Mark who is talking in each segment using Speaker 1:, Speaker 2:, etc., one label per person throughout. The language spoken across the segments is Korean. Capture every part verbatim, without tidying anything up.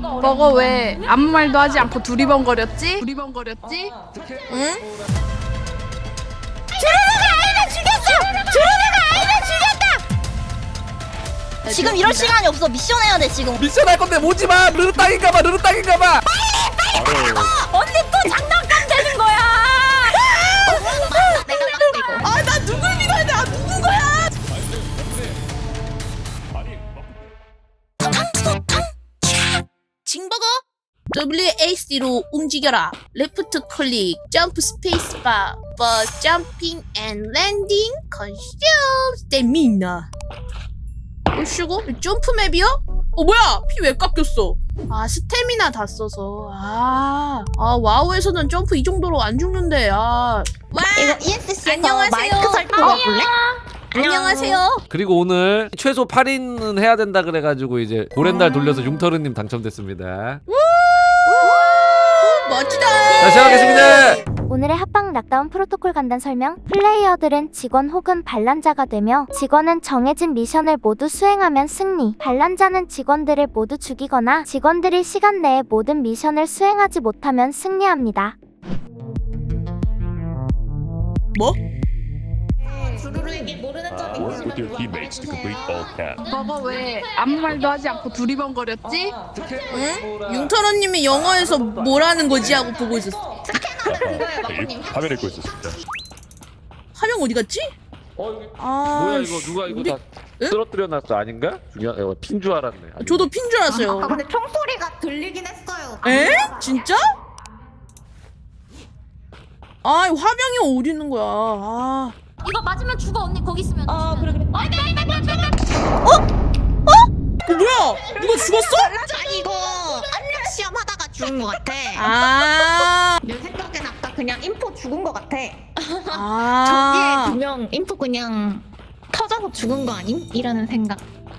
Speaker 1: 너가 왜 아무 말도 하지 않고 두리번거렸지? 두리번거렸지?
Speaker 2: 응? 주르르가 아이를 죽였어! 주르르가 아이를 죽였다! 지금 이럴 시간이 없어. 미션 해야 돼 지금.
Speaker 3: 미션 할 건데 오지 마. 르르 땅인가 봐. 르르 땅인가 봐.
Speaker 2: 빨리 빨리 가고! 언니 또 장난감 되는 거야! 아, 나 누굴 믿어야 돼? 아, 누군 거야? 징버거 더블유 에이 씨로 움직여라. 레프트 클릭, 점프 스페이스바, 버스 점핑 앤 랜딩, 컨슘 스태미나. 어이구, 점프 맵이요? 어 뭐야? 피 왜 깎였어? 아 스태미나 다 써서. 아, 아 와우에서는 점프 이 정도로 안 죽는데. 아, 와.
Speaker 4: 이거 이에스씨에서
Speaker 2: 안녕하세요.
Speaker 4: 마이크 설정 와볼래?
Speaker 2: 안녕하세요.
Speaker 3: 그리고 오늘 최소 팔 인은 해야 된다 그래가지고 이제 고랜달 돌려서 융터르님 당첨됐습니다.
Speaker 2: 멋지다.
Speaker 3: 자, 시작하겠습니다.
Speaker 5: 오늘의 합방 락다운 프로토콜 간단 설명. 플레이어들은 직원 혹은 반란자가 되며 직원은 정해진 미션을 모두 수행하면 승리, 반란자는 직원들을 모두 죽이거나 직원들이 시간 내에 모든 미션을 수행하지 못하면 승리합니다.
Speaker 2: 뭐?
Speaker 4: 주루루에게 모르는 점이
Speaker 6: Work with your teammates to complete all tasks.
Speaker 1: 너가 왜 아무 말도 하지 않고 두리번거렸지?
Speaker 2: 응? 융터러님이 영어에서 뭐라는 거지 하고 보고 있었어.
Speaker 6: 네, 화면 읽고 있었습니다.
Speaker 2: 화면 어디 갔지?
Speaker 3: 어, 여기
Speaker 2: 아,
Speaker 3: 뭐야 이거 누가 이거
Speaker 2: 우리-
Speaker 3: 다
Speaker 2: 응?
Speaker 3: 쓰러뜨려 놨어 아닌가? 중요한 이거 핀 줄 알았네. 아니,
Speaker 2: 저도 핀 줄 알았어요.
Speaker 4: 아 근데 총소리가 들리긴 했어요.
Speaker 2: 에? 진짜? 아, 화병이 어디 있는 거야? 아,
Speaker 7: 이거 맞으면 죽어 언니 거기 있으면.
Speaker 4: 아 그래 그래.
Speaker 2: 어 뭐야? 누가 죽었어?
Speaker 4: 자 이거 압력 시험 하다가 죽은 것 같아.
Speaker 2: 아,
Speaker 4: 내 생각엔 아까 그냥 인포 죽은 것 같아.
Speaker 2: 아,
Speaker 4: 저기에 두 명 인포 그냥 터져서 죽은 거 아님? 이라는 생각.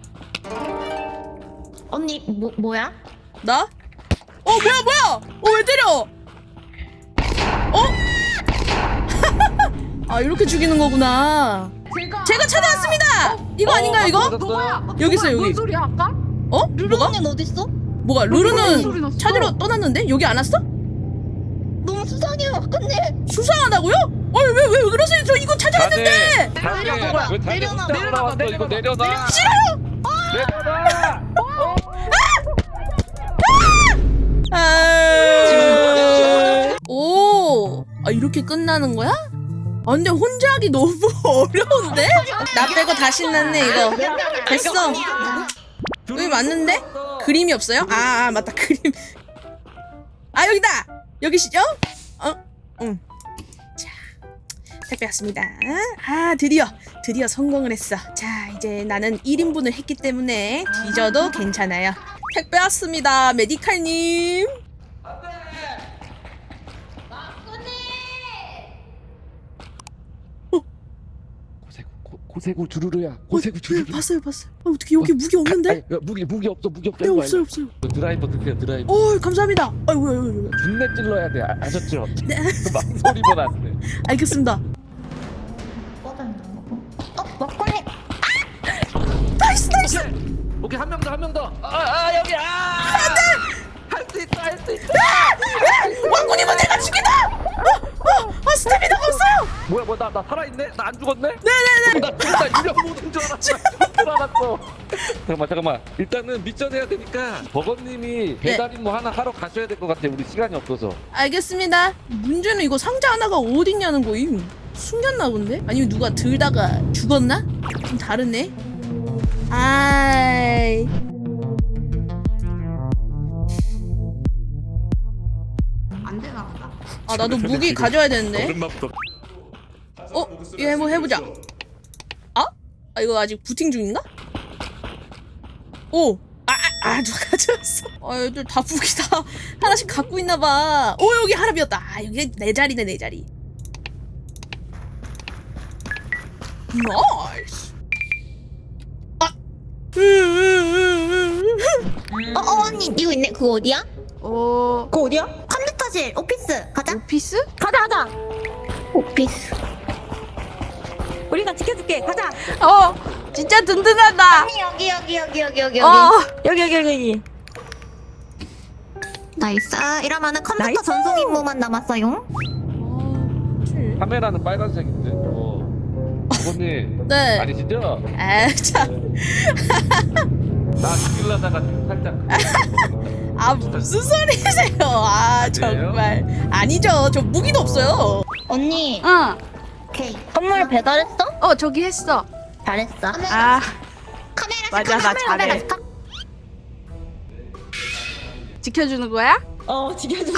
Speaker 4: 언니 뭐 뭐야?
Speaker 2: 나? 어 뭐야 뭐야? 어 왜 때려? 어? 아 이렇게 죽이는 거구나. 제가 찾아왔습니다. 이거 아닌가요 이거?
Speaker 1: 너야?
Speaker 2: 여기 있어, 여기.
Speaker 1: 뭔 소리야 아까?
Speaker 2: 어? 뭐가?
Speaker 4: 언니는 어디 있어?
Speaker 2: 뭐가?
Speaker 1: 소리
Speaker 2: 루루는
Speaker 1: 났어.
Speaker 2: 찾으러 떠났는데 여기 안 왔어?
Speaker 4: 너무 수상해요. 근데
Speaker 2: 수상하다고요? 아니 왜 왜 그러세요? 저 이거 찾아야
Speaker 3: 자네,
Speaker 2: 되는데.
Speaker 3: 자네,
Speaker 4: 내려놔,
Speaker 3: 왜 자네
Speaker 4: 내려놔,
Speaker 3: 혼자
Speaker 1: 내려놔,
Speaker 3: 올라왔어? 이거
Speaker 1: 내려놔.
Speaker 3: 내려놔.
Speaker 2: 싫어요.
Speaker 3: 내려놔.
Speaker 2: 아... 오, 아 이렇게 끝나는 거야? 아 근데 혼자 하기 너무 어려운데? 나 빼고 다 신났네 이거. 됐어. 여기 맞는데? 그림이 없어요? 아, 아 맞다 그림. 아 여기다. 여기시죠? 어, 응. 자, 택배 왔습니다. 아 드디어 드디어 성공을 했어. 자 이제 나는 일 인분을 했기 때문에 뒤져도 괜찮아요. 택배 왔습니다, 메디칼님.
Speaker 3: 고세구 고, 고세구 주르르야. 고세구
Speaker 2: 네,
Speaker 3: 주르르.
Speaker 2: 봤어요, 봤어요. 아, 어떻게 여기 무기 없는데?
Speaker 3: 아니, 야, 무기 무기 없어 무기 없어.
Speaker 2: 네
Speaker 3: 이거
Speaker 2: 없어요,
Speaker 3: 알려.
Speaker 2: 없어요.
Speaker 3: 드라이버 드세요 드라이버.
Speaker 2: 어 감사합니다. 아이고, 아이고, 아이고.
Speaker 3: 분내 찔러야 돼. 아, 아셨죠?
Speaker 2: 네.
Speaker 3: 망설이면 안 돼.
Speaker 2: 알겠습니다.
Speaker 4: 어 먹걸리.
Speaker 2: 나이스, 나이스.
Speaker 3: 오케이 한 명 더 한 명 더. 아, 아 여기 아. 할 수 있다 할 수 있다.
Speaker 2: 왕군이면 내가 죽이다. 어, 어, 아 스태미나가 없어요.
Speaker 3: 뭐야 뭐야 나 나 살아 있네? 나 안 죽었네? 네네네. 나 진짜 유령 모든 줄 알았어. 죽은 줄 알았어. 잠깐만 잠깐만. 일단은 미션 해야 되니까 버거님이 배달 임무 하나 하러 가셔야 될 것 같아. 우리 시간이 없어서.
Speaker 2: 알겠습니다. 문제는 이거 상자 하나가 어딨냐는 거임. 숨겼나 본데? 아니면 누가 들다가 죽었나? 좀 다르네. 아이.
Speaker 4: 안 되나 보다.
Speaker 2: 아 나도 무기 가져야 되는데.
Speaker 6: 오랜만부터
Speaker 2: 어? 이거 한번 해보자. 아? 아 이거 아직 부팅 중인가? 오! 아, 아, 아 누가 가져왔어? 아 얘들 다 무기다 하나씩 갖고 있나봐. 오 여기 하나 비었다. 아 여기 내 자리네 내 자리. 나이스. 아!
Speaker 4: 어, 어 언니 이거 있네. 그거 어디야?
Speaker 1: 어...
Speaker 4: 그거 어디야? 컴퓨터실 오피스 가자.
Speaker 1: 오피스?
Speaker 4: 가자 가자. 오피스. 우리가 지켜줄게. 가자.
Speaker 1: 어! 진짜 든든하다!
Speaker 4: 언니 여기 여기 여기 여기 여기 여기
Speaker 1: 어!
Speaker 4: 여기 여기 여기 여기. 나이스. 이러면은 컴퓨터
Speaker 8: 나이스.
Speaker 4: 전송 임무만 남았어요.
Speaker 3: 카메라는 빨간색인데. 어. 버거님
Speaker 2: 네.
Speaker 3: 아니시죠?
Speaker 2: 아, 참.
Speaker 3: 나 죽일라다가 살짝.
Speaker 2: 아, 무슨 소리세요? 아, 정말. 아니죠. 저 무기도 없어요.
Speaker 4: 언니,
Speaker 1: 응.
Speaker 4: 오케이. 선물 배달했어?
Speaker 1: 어 저기 했어.
Speaker 4: 잘했어.
Speaker 1: 아
Speaker 4: 카메라
Speaker 1: 맞아, 나 잘해. 지켜주는 거야?
Speaker 8: 어 지켜주세요.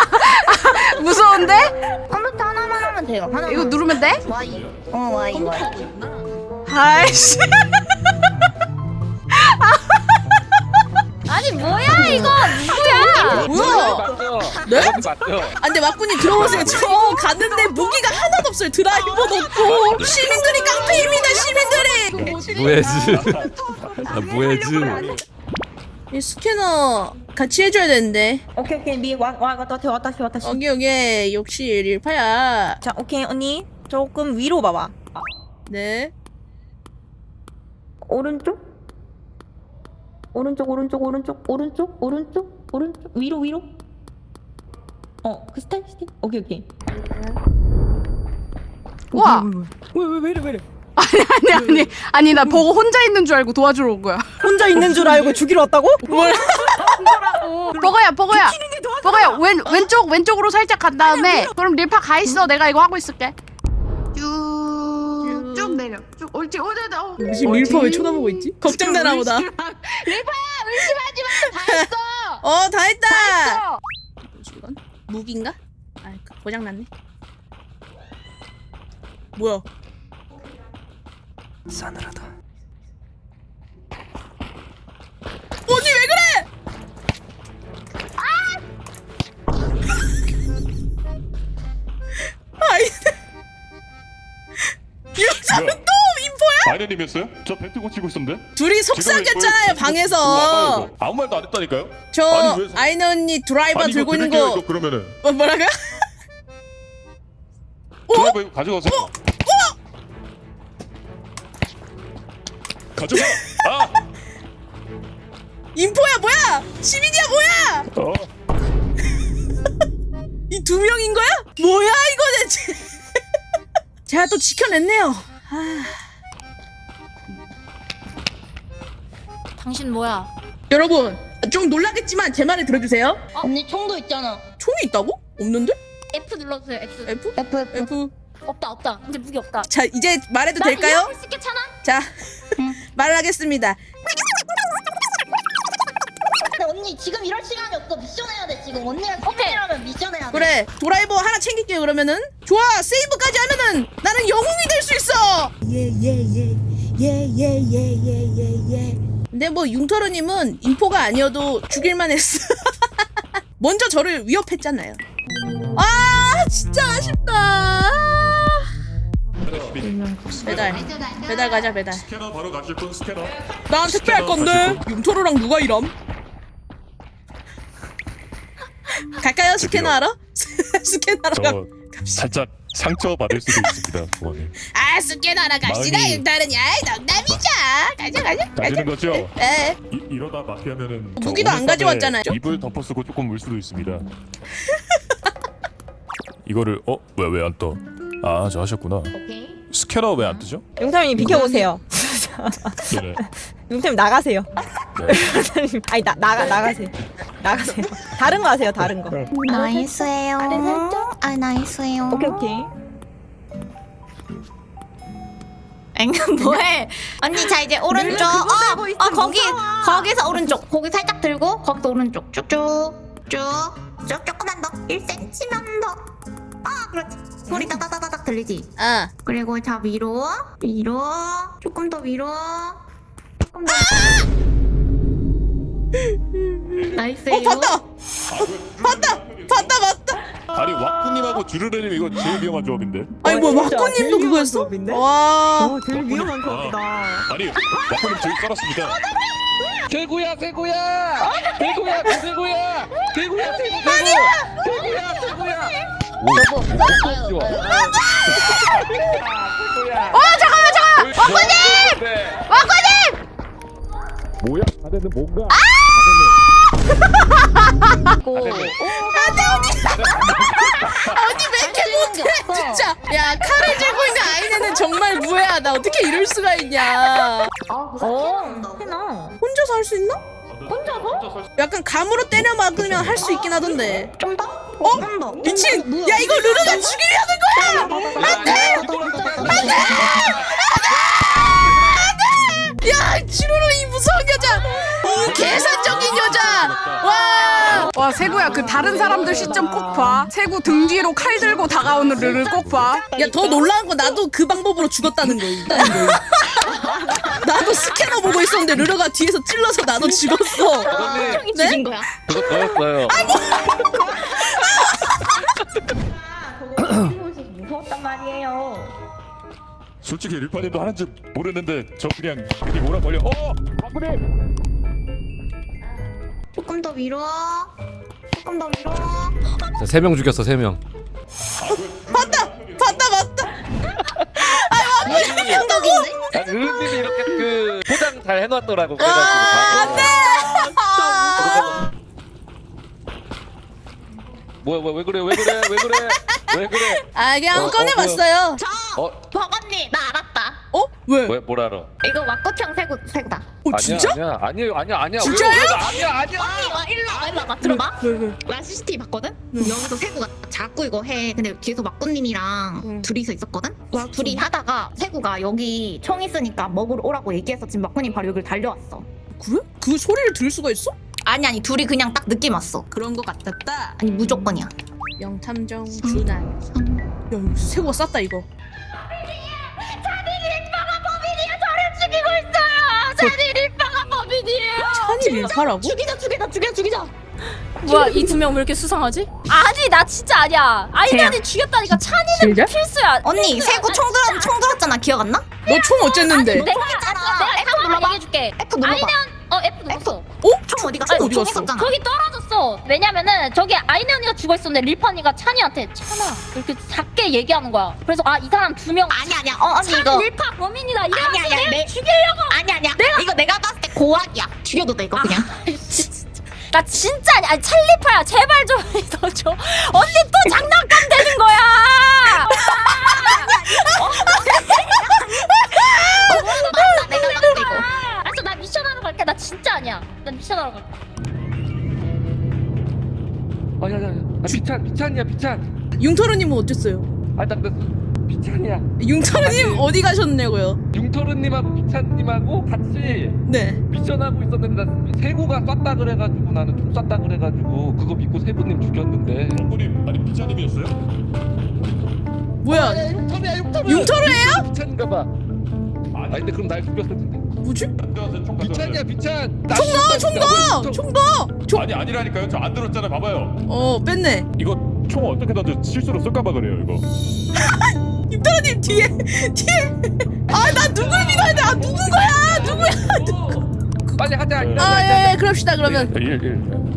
Speaker 1: 무서운데?
Speaker 4: 컴퓨터 하나만 하면 돼요. 하나만.
Speaker 1: 이거 누르면 돼?
Speaker 4: Y. 어, Y, Y.
Speaker 1: 아이씨.
Speaker 7: 아니 뭐야 이거 누구야?
Speaker 2: 뭐야?
Speaker 3: 맞죠?
Speaker 2: 네?
Speaker 3: 버거님 맞죠?
Speaker 2: 아, 근데 막군님 들어보세요. 저 갔는데 무기가 하나도 없어요. 드라이버도 없고. 시민들이 깡패입니다, 시민들이.
Speaker 6: 무해즈. 아, 무해즈.
Speaker 2: 이 스캐너 같이 해줘야 되는데.
Speaker 8: 오케이 오케이 미와 와다시 와다시 와다시.
Speaker 2: 여기 여기 역시 릴파야.
Speaker 8: 자 오케이 언니 조금 위로 봐봐.
Speaker 2: 네.
Speaker 8: 오른쪽 오른쪽 오른쪽 오른쪽 오른쪽 오른쪽 오른쪽 위로 위로. 어그 스타일 스타일. 오케이 오케이.
Speaker 1: 와.
Speaker 8: 왜왜왜 이래 왜 이래.
Speaker 1: 아니 아니 아니 나 보고 혼자 있는 줄 알고 도와주러 온 거야.
Speaker 8: 혼자 있는 줄 알고 죽이러 왔다고?
Speaker 2: 뭘?
Speaker 1: 버거야 버거야 버거야 왼 왼쪽 왼쪽으로 살짝 간 다음에 그럼 릴파 가 있어. 내가 이거 하고 있을게. 쭉쭉 내려. 쭉 옳지 옳지. 어.
Speaker 2: 무슨 릴파 왜 쳐다보고 있지? 걱정되나 보다.
Speaker 7: 릴파야 의심하지 마. 다 했어.
Speaker 2: 어, 다 했다.
Speaker 7: 했어.
Speaker 2: 뭐지 이건? 무기인가? 아, 고장 났네. 뭐야?
Speaker 9: 싸늘하다.
Speaker 2: 언니 왜 그래? 아! 아이. 여자는 또 인포야?
Speaker 6: 마이너님이었어요? 저 벤트 고치고 있었는데.
Speaker 2: 둘이 속삭였잖아요 방에서.
Speaker 6: 아무 말도 안 했다니까요?
Speaker 2: 저
Speaker 6: 아니, 왜-
Speaker 2: 아이너 언니 드라이버
Speaker 6: 아니, 이거
Speaker 2: 들고 있는
Speaker 6: 드릴게요,
Speaker 2: 거
Speaker 6: 이거 그러면은
Speaker 2: 어, 뭐라고요?
Speaker 6: 드라이버 이거 가져가세요. 가져가. 아,
Speaker 2: 인포야 뭐야? 시민이야 뭐야?
Speaker 6: 어.
Speaker 2: 이 두 명인 거야? 뭐야 이거 대체? 제가 또 지켜냈네요. 아.
Speaker 7: 당신 뭐야?
Speaker 2: 여러분 좀 놀라겠지만 제 말을 들어주세요.
Speaker 4: 언니 총도 있잖아.
Speaker 2: 총이 있다고? 없는데?
Speaker 7: F 눌러주세요. F.
Speaker 2: F?
Speaker 4: F, F.
Speaker 2: F.
Speaker 7: 없다 없다. 이제 무기 없다.
Speaker 2: 자 이제 말해도 될까요?
Speaker 7: 이해할 수 있겠잖아.
Speaker 2: 자 말을 하겠습니다.
Speaker 4: 근데 언니 지금 이럴 시간이 없어. 미션 해야 돼 지금. 언니랑 팀이라면 미션 해야 돼.
Speaker 2: 그래 드라이버 하나 챙길게요 그러면은. 좋아 세이브까지 하면은 나는 영웅이 될 수 있어. 예예예예예예예예예. 근데 뭐 융터르님은 인포가 아니어도 죽일만 했어. 먼저 저를 위협했잖아요. 아 진짜 아쉽다. 배달 배달 가자 배달.
Speaker 6: 스캐너 바로 가실 분 스캐너.
Speaker 2: 난 택배 할 건데 융터르랑 누가 일함? 갈까요 스캐너 하러? 스캐너하러 가.
Speaker 6: 저 살짝 상처 받을 수도 있습니다, 부모님.
Speaker 2: 아 스캐너하러 갑시다
Speaker 6: 마음이-
Speaker 2: 융터르니. 아이 농담이죠. 가자 가자 가자.
Speaker 6: 가지는 거죠?
Speaker 2: 에
Speaker 6: 이, 이러다 마피하면은 저
Speaker 2: 무기도 안
Speaker 6: 오늘 밤에
Speaker 2: 가져왔잖아요.
Speaker 6: 입을 덮어 쓰고 조금 울 수도 있습니다. 이거를 어? 왜 왜 안 떠? 아, 저 하셨구나.
Speaker 4: 오케이.
Speaker 6: 스캐너 왜 안 뜨죠?
Speaker 8: 용사님 비켜보세요.
Speaker 6: 네네.
Speaker 8: 용사님 나가세요.
Speaker 6: 네.
Speaker 8: 용사님 아니 나 나가 나가세요. 나가세요. 다른 거 하세요. 다른 거.
Speaker 4: 나이스해요.
Speaker 8: 아래 살짝.
Speaker 4: 아 나이스해요.
Speaker 8: 오케이 오케이.
Speaker 4: 엥 뭐해? 언니 자 이제 오른쪽.
Speaker 8: 그거
Speaker 4: 어,
Speaker 8: 들고 있어,
Speaker 4: 어 거기
Speaker 8: 무서워.
Speaker 4: 거기서 오른쪽. 고기 살짝 들고 거기서 오른쪽 쭉쭉 쭉. 쭉 조금만 더. 일 센티미터만 더. 아 그렇지. 소리 따다다다닥 들리지?
Speaker 2: 아
Speaker 4: 그리고 자 위로 위로 조금 더 위로 조금 더. 나이스해요.
Speaker 2: 어 봤다 봤다 봤다 봤다.
Speaker 6: 아니 와꾸님하고 주르르님 이거 제일 위험한 조합인데.
Speaker 2: 아니 뭐
Speaker 8: 진짜
Speaker 2: 마코님도
Speaker 8: 제일
Speaker 2: 그거였어?
Speaker 8: 위험한 조합인데?
Speaker 2: 와.
Speaker 8: 어 제일 위험한 조합이다.
Speaker 6: 아니 와꾸님 저희 썰었습니다.
Speaker 3: 대구야 대구야 대구야 대구야 대구야 대구 아니야 대구야 대구야
Speaker 4: 여보.
Speaker 3: 어
Speaker 1: 잠깐만 잠깐만.
Speaker 3: 와꾸님
Speaker 1: 와꾸님.
Speaker 3: 뭐야 다들 뭔가
Speaker 7: 있고.
Speaker 2: 언니 왜 이렇게 못해 진짜. 야 칼을 들고 있는 아이네는 정말 무해하다. 어떻게 이럴 수가 있냐.
Speaker 8: 어 해나.
Speaker 2: 혼자서 할 수 있나?
Speaker 8: 혼자서?
Speaker 2: 약간 감으로 때려 막으면 할 수 있긴 하던데.
Speaker 4: 좀 더?
Speaker 2: 어?
Speaker 4: 좀 더.
Speaker 2: 미친! 야 이거 루루가 죽이려는 거야! 야 지루루 이 무서운 여자! 이 계산적인 여자! 와!
Speaker 1: 와 세구야 그 다른 사람들 시점 꼭 봐. 세구 등 뒤로 칼 들고 다가오는 르를 꼭 봐.
Speaker 2: 야 더 놀라운 건 나도 그 방법으로 죽었다는 거. 나도 스캐너 보고 있었는데 르르가 뒤에서 찔러서 나도 죽었어.
Speaker 3: 버거님
Speaker 2: 네?
Speaker 7: 죽인 거야.
Speaker 3: 그거 저였어요.
Speaker 8: 무서웠단 말이에요.
Speaker 6: 솔직히 릴파님도 하는지 모르는데 저 그냥 괜히 몰아 걸려. 어! 바쁘님!
Speaker 4: 조금 더 위로. 조금 더 위로.
Speaker 3: 세 명 죽였어 세 명.
Speaker 2: 봤다! 봤다 봤다!
Speaker 4: 행동인데?
Speaker 3: 아, 은님이 이렇게 그 포장 잘 해놨더라고. 그래가지고
Speaker 2: 와,
Speaker 3: 바로.
Speaker 2: 네!
Speaker 3: 뭐야 뭐야 왜 그래 왜 그래 왜 그래 왜 그래?
Speaker 2: 아 그냥
Speaker 3: 어, 어,
Speaker 2: 꺼내봤어요.
Speaker 4: 저
Speaker 3: 어
Speaker 4: 버거님 나 알았다.
Speaker 2: 어? 왜?
Speaker 3: 뭐야 뭘 알아?
Speaker 4: 이거 왁구형 세구 세구다.
Speaker 2: 어
Speaker 3: 아니야
Speaker 2: 진짜?
Speaker 3: 아니야 아니에요 아니야 아니야
Speaker 2: 진짜요?
Speaker 3: 왜, 왜, 나 아니야 아니야.
Speaker 4: 언니 와 일로 와 일로 와봐 들어봐.
Speaker 2: 왜 왜?
Speaker 4: 나 씨씨티비 봤거든? 여기서 세구가 자꾸 이거 해. 근데 뒤에서 막구님이랑
Speaker 2: 응.
Speaker 4: 둘이서 있었거든? 와 둘이 하다가 세구가 여기 총 있으니까 먹으러 오라고 얘기해서 지금 막구님 바로 여기를 달려왔어.
Speaker 2: 그래? 그 소리를 들을 수가 있어?
Speaker 4: 아니 아니 둘이 그냥 딱 느낌 왔어.
Speaker 2: 그런 거 같았다.
Speaker 4: 아니 무조건이야.
Speaker 2: 영탐정 준한. 야 이거 새우가 쌌다 이거.
Speaker 7: 죽이고 있어요. 찬이 릴파가 범인이에요.
Speaker 2: 찬이 릴파라고?
Speaker 4: 죽이자 죽이자 죽여 죽이자.
Speaker 7: 뭐야 이 두 명 왜 이렇게 수상하지? 아니 나 진짜 아니야. 아이언이 죽였다니까 찬이는
Speaker 2: 진짜?
Speaker 7: 필수야.
Speaker 4: 언니 세구 총 들었 총 들었잖아 기억 안 나?
Speaker 2: 너 총 어쨌는데?
Speaker 7: 내가
Speaker 4: 있잖아.
Speaker 7: 내가
Speaker 4: F
Speaker 7: F
Speaker 4: 눌러봐.
Speaker 7: 얘기해줄게.
Speaker 4: F 눌러봐.
Speaker 7: 아이언 어 F 눌렀어.
Speaker 2: 어?
Speaker 4: 총 어디
Speaker 2: 총
Speaker 4: 갔어?
Speaker 2: 어디
Speaker 4: 총
Speaker 2: 갔어?
Speaker 4: 있었잖아.
Speaker 7: 거기 떨어졌어. 왜냐면은 저기 아이네 언니가 죽어있었는데 릴파니가 찬이한테 찬아 이렇게 작게 얘기하는 거야. 그래서 아 이 사람 두 명
Speaker 4: 아니 아니야. 어 언니
Speaker 7: 찬이
Speaker 4: 이거
Speaker 7: 릴파 범인이다.
Speaker 4: 아니
Speaker 7: 이러면서
Speaker 4: 아니야.
Speaker 7: 내가
Speaker 4: 내
Speaker 7: 죽이려고.
Speaker 4: 아니 아니야. 내가 이거 내가 봤을 때 고학이야. 죽여도 돼 이거 그냥.
Speaker 7: 나 진짜 아니 아니 찰리파야 제발 좀 믿어줘. 언니 또 장난감 되는 거야.
Speaker 4: 맞다 내가 봤을 때 이거.
Speaker 7: 알았어 나 미션 하러 갈게. 나 진짜 아니야. 나 미션 하러 갈게.
Speaker 3: 아야야야 아, 비찬 비찬이야 비찬.
Speaker 2: 융터루님은 어땠어요?
Speaker 3: 아딱 됐어. 비찬이야.
Speaker 2: 융터루님 어디 가셨냐고요?
Speaker 3: 융터르님하고 비찬님하고 같이
Speaker 2: 네.
Speaker 3: 미션하고 있었는데 나 세구가 쐈다 그래가지고 나는 총 쐈다 그래가지고 그거 믿고 세구님 죽였는데.
Speaker 6: 바쁘님 아니 비자님이었어요?
Speaker 2: 뭐야?
Speaker 3: 융터르야 융터르.
Speaker 2: 융터루예요?
Speaker 3: 비찬인가봐. 아니 근데 그럼 날 죽였을 텐데.
Speaker 2: 뭐지?
Speaker 6: 안 들었어요 총
Speaker 3: 비찬이야 비찬.
Speaker 2: 총 넣어 총 넣어 총 넣어. 총.
Speaker 6: 아니 아니라니까요 저 안 들었잖아요 봐봐요
Speaker 2: 어 뺐네.
Speaker 6: 이거 총 어떻게 던져 실수로 쏠까봐 그래요 이거
Speaker 2: 융터루님 뒤에 뒤에. 아 나 누굴 믿어야 돼? 아 누군 거야? 누구야?
Speaker 3: 빨리 하자.
Speaker 6: 네.
Speaker 2: 아예 예, 그럽시다 그러면.
Speaker 6: 일, 일.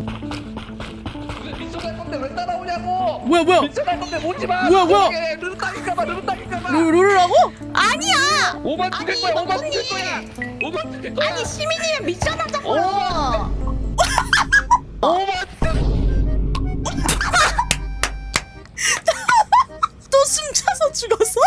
Speaker 3: 미션 할 건데 왜 따라오냐고.
Speaker 2: 뭐야 뭐야?
Speaker 3: 미션 할 건데 오지 마.
Speaker 2: 뭐야, 뭐야?
Speaker 3: 르르 땅인가봐 르르 땅인가봐.
Speaker 2: 루, 루루라고?
Speaker 4: 아니야.
Speaker 3: 오만 죽일
Speaker 4: 아니,
Speaker 3: 거야 오만
Speaker 4: 언니.
Speaker 3: 죽일 거야. 오만 죽일 거야.
Speaker 4: 아니 시민이면 미션 하자고.
Speaker 3: 오만
Speaker 2: 또 숨차서 죽었어?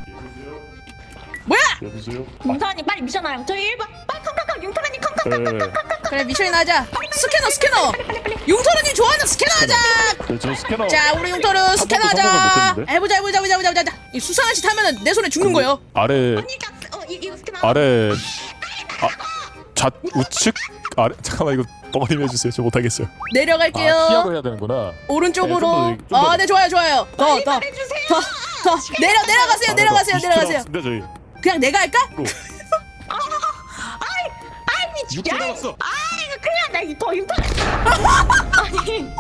Speaker 2: 뭐야?
Speaker 6: 여보세요?
Speaker 4: 융터라님 빨리 미션 하라고. 저희 일 번 빨리 康康康 융터라님 康康康
Speaker 6: 네,
Speaker 2: 그래 미션이나 하자. 스캐너 스캐너. 융터루님 좋아하는 스캐너 하자.
Speaker 6: 네, 저 스캐너
Speaker 2: 자 우리 융터루 스캐너
Speaker 6: 번도
Speaker 2: 하자.
Speaker 6: 성공을 못했는데?
Speaker 2: 해보자 해보자 해보자 해보자 해보자. 이 수상한 짓 하면은 내 손에 죽는 거예요.
Speaker 6: 아래
Speaker 4: 언니 딱 어, 이, 이거 스캐너.
Speaker 6: 아래 아 좌 우측 아래 잠깐만 이거 버거님 해주세요 저 못하겠어요
Speaker 2: 내려갈게요.
Speaker 6: 아 피하고 해야 되는구나
Speaker 2: 오른쪽으로.
Speaker 6: 네, 좀 더, 좀 더.
Speaker 2: 아, 네 좋아요 좋아요. 더 더
Speaker 4: 해주세요.
Speaker 2: 더 더 내려 내려가세요 내려가세요 내려가세요.
Speaker 6: 근데 저희
Speaker 2: 그냥 내가 할까?
Speaker 4: 아니
Speaker 6: 육 초 남았어
Speaker 4: 아 이거 큰일 났다. 이거 더 융터. 아니.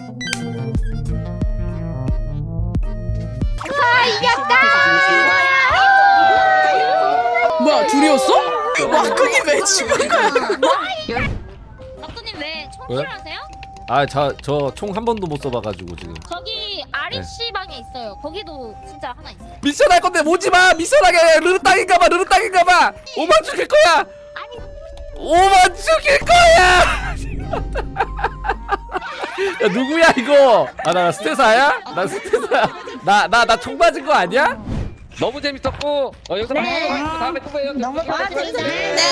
Speaker 2: 뭐야 둘이었어? 와꾸님 왜 죽은 거야?
Speaker 7: 박도님 왜
Speaker 3: 왜?
Speaker 7: 청소하세요?
Speaker 3: 아, 저 저 총 한 번도 못 써봐가지고 지금.
Speaker 7: 저기 아린 씨 방에 있어요. 거기도 진짜 하나 있어요.
Speaker 3: 미션 할 건데 오지 마. 미션하게 르르 땅인가봐. 르르 땅인가봐. 오만 죽일 거야. 오만 죽일 거야.
Speaker 9: 야 누구야 이거? 아 나 스테사야? 나 스테사야. 나 나 나 총 맞은 거 아니야?
Speaker 3: 너무 재밌었고 어, 여기서 마치도록 하겠습니다. 다음에 또 봬요.
Speaker 4: 너무 고맙습니다.
Speaker 2: 네.